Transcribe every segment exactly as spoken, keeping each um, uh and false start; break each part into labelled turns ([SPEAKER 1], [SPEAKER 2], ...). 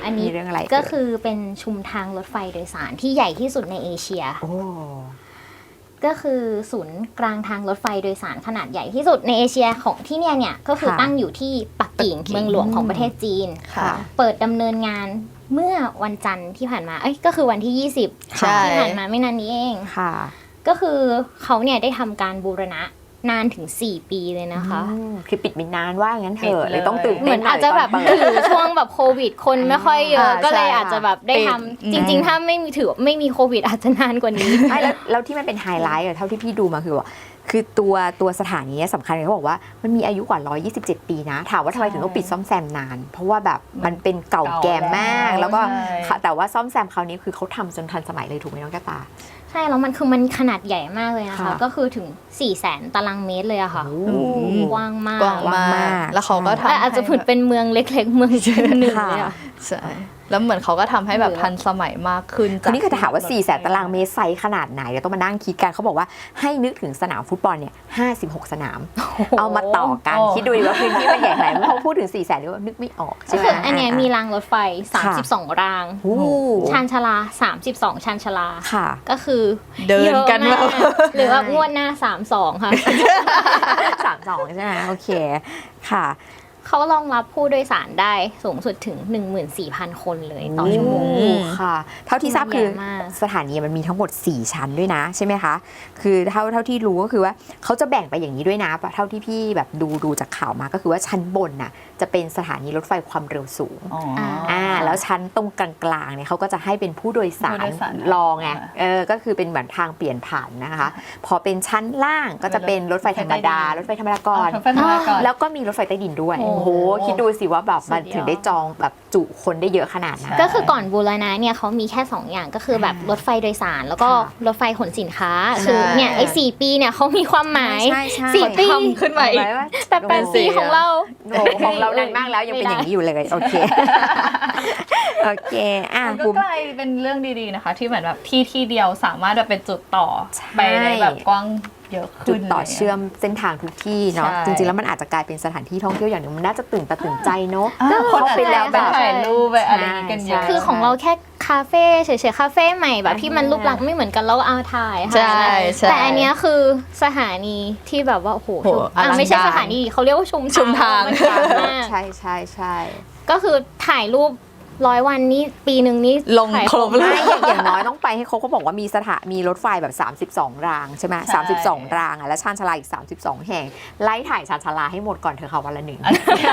[SPEAKER 1] อันนี้
[SPEAKER 2] เรื่องอะไร
[SPEAKER 1] ก็คือเป็นชุมทางรถไฟโดยสารที่ใหญ่ที่สุดในเอเชีย
[SPEAKER 2] โอ้
[SPEAKER 1] ก็คือศูนย์กลางทางรถไฟโดยสารขนาดใหญ่ที่สุดในเอเชียของที่เนี่ยเนี่ยก็คือตั้งอยู่ที่ปักกิ่งเมืองหลวงของประเทศจีนเปิดดำเนินงานเมื่อวันจันทร์ที่ผ่านมาเอ้ยก็คือวันที่ยี่สิบที่ผ่านมาไม่นานนี้เอง
[SPEAKER 2] ค่ะ
[SPEAKER 1] ก็คือเขาเนี่ยได้ทำการบูรณะนานถึงสี่ปีเลยนะคะ
[SPEAKER 2] คือปิดมินนานว่างั้นเถอะเลยต้องตื่น
[SPEAKER 1] เหมือนอาจจะแบบถือช่วงแบบโควิดคนไม่ค่อยเยอะก็เลยอาจจะแบบได้ทำจริงๆถ้าไม่มีถือไม่มีโควิดอาจจะนานกว่านี้
[SPEAKER 2] ไม่แล้วแล้วที่มันเป็นไฮไลท์เท่าที่พี่ดูมาคือว่าคือตัวตัวสถานีสำคัญเขาบอกว่ามันมีอายุกว่าหนึ่งร้อยยี่สิบเจ็ดปีนะถามว่าทำไมถึงต้องปิดซ่อมแซมนานเพราะว่าแบบมันเป็นเก่าแก่มากแล้วก็แต่ว่าซ่อมแซมคราวนี้คือเขาทำจนทันสมัยเลยถูกไหมน้องแก้วตา
[SPEAKER 1] ใช่แล้วมันคือมันขนาดใหญ่มากเลยนะคะก็คือถึงสี่แสนตารางเมตรเลยอะค่ะกว้างมาก
[SPEAKER 3] กว้างมากแล้วเขาก็ทำ
[SPEAKER 1] อาจจะผืนเป็นเมืองเล็กๆเมืองหนึ่งเลยอะ
[SPEAKER 3] ใช่แล้วเหมือนเขาก็ทำให้แบบทันสมัยมากขึ้น
[SPEAKER 2] คนนี้ก็ถามว่าสี่แสนตารางเมตรไซส์ขนาดไหนเดี๋ยวต้องมานั่งคิดกันเขาบอกว่าให้นึกถึงสนามฟุตบอลเนี่ยห้าสิบหกสนามเอามาต่อกันคิดดูว่าพื้นที่มันใหญ่ขนาดไหนพอพูดถึงสี่แสนนี่ก็นึกไม่ออกใช่ไหม
[SPEAKER 1] คืออันนี้มีรางรถไฟสามสิบสองรางชานชาลาสามสิบสองชานชาลาก็คือ
[SPEAKER 3] เดินกันแบบ
[SPEAKER 1] หรือว่างวดหน้าสามสิบสองค่ะ
[SPEAKER 2] สามสิบสองใช่ไหมโอเคค่ะ
[SPEAKER 1] เขารองรับผู้โดยสารได้สูงสุดถึง หนึ่งหมื่นสี่พัน คนเลยต่อชั่วโมง
[SPEAKER 2] ค่ะเท่าที่ทราบคือสถานีมันมีทั้งหมดสี่ชั้นด้วยนะใช่ไหมคะคือเท่าเท่าที่รู้ก็คือว่าเขาจะแบ่งไปอย่างนี้ด้วยนะเท่าที่พี่แบบดูดูจากข่าวมาก็คือว่าชั้นบนน่ะจะเป็นสถานีรถไฟความเร็วสูงอ่าแล้วชั้นตรงกลางๆเนี่ยเขาก็จะให้เป็นผู้โดยสารรองไงเออก็คือเป็นเหมือนทางเปลี่ยนผ่านนะคะพอเป็นชั้นล่างก็จะเป็นรถไฟธรรมดารถไฟธรรมดาก่อนแล้วก็มีรถไฟใต้ดินด้วยโอ้โหคิดดูสิว่าแบบมันถึงได้จองแบบจุคนได้เยอะขนาดนั้น
[SPEAKER 1] ก็คือก่อนบูรณะเนี่ยเขามีแค่สองอย่างก็คือแบบรถไฟโดยสารแล้วก็รถไฟขนสินค้าคือเนี่ยไอ้สี่ปีเนี่ยเขามีความหมายสี่ปี
[SPEAKER 3] ขึ้นมาอีก
[SPEAKER 1] แต่แปดปีของเรา
[SPEAKER 2] ของเรานานมากแล้วยังเป็นอย่างนี้อยู่เลยโอเคโอเคอ่ะ
[SPEAKER 3] ก็กลายเป็นเรื่องดีๆนะคะที่เหมือนแบบที่ที่เดียวสามารถแบบเป็นจุดต่อไปในแบบกว้างเยอะขึ้น
[SPEAKER 2] จุดต่อเชื่อมเส้นทางทุกที่เนาะจริงๆแล้วมันอาจจะกลายเป็นสถานที่ท่องเที่ยวอย่างนึงมันน่าจะตื่นตาตื่นใจเนาะ
[SPEAKER 3] คนไปแล้วแบบถ่ายรูปไปอะไรกันเยอะ
[SPEAKER 1] คือของเราแค่คาเฟ่เฉยๆคาเฟ่ใหม่แบบที่มันรูปลักษณ์ไม่เหมือนกันแล้วเอาถ่ายค่ะแต่อันนี้คือสถานีที่แบบว่าโอ้โหไม่ใช่สถานีเขาเรียกว่าชุม
[SPEAKER 3] ชุมทาง
[SPEAKER 2] ใช่ใช่ใช่
[SPEAKER 1] ก็คือถ่ายรูปร้อยวันนี้ปีหนึ่งนี้
[SPEAKER 3] ลงครบเลย
[SPEAKER 2] อย่างน้อยต้องไปให้เขาเขาบอกว่ามีสถามีรถไฟแบบสามสิบสองรางใช่ไหมสามสิบสองรางอ่ะแล้วชานชาลาอีกสามสิบสองแห่งไล่ถ่ายชานชาลาให้หมดก่อนเธอค่ะวันละหนึ่ง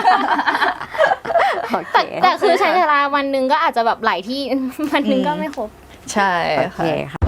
[SPEAKER 1] แต่แต่คือชานชาลาวันหนึ่งก็อาจจะแบบหลายที่วันหนึ่งก็ไม่ครบ
[SPEAKER 3] ใช่ค่ะ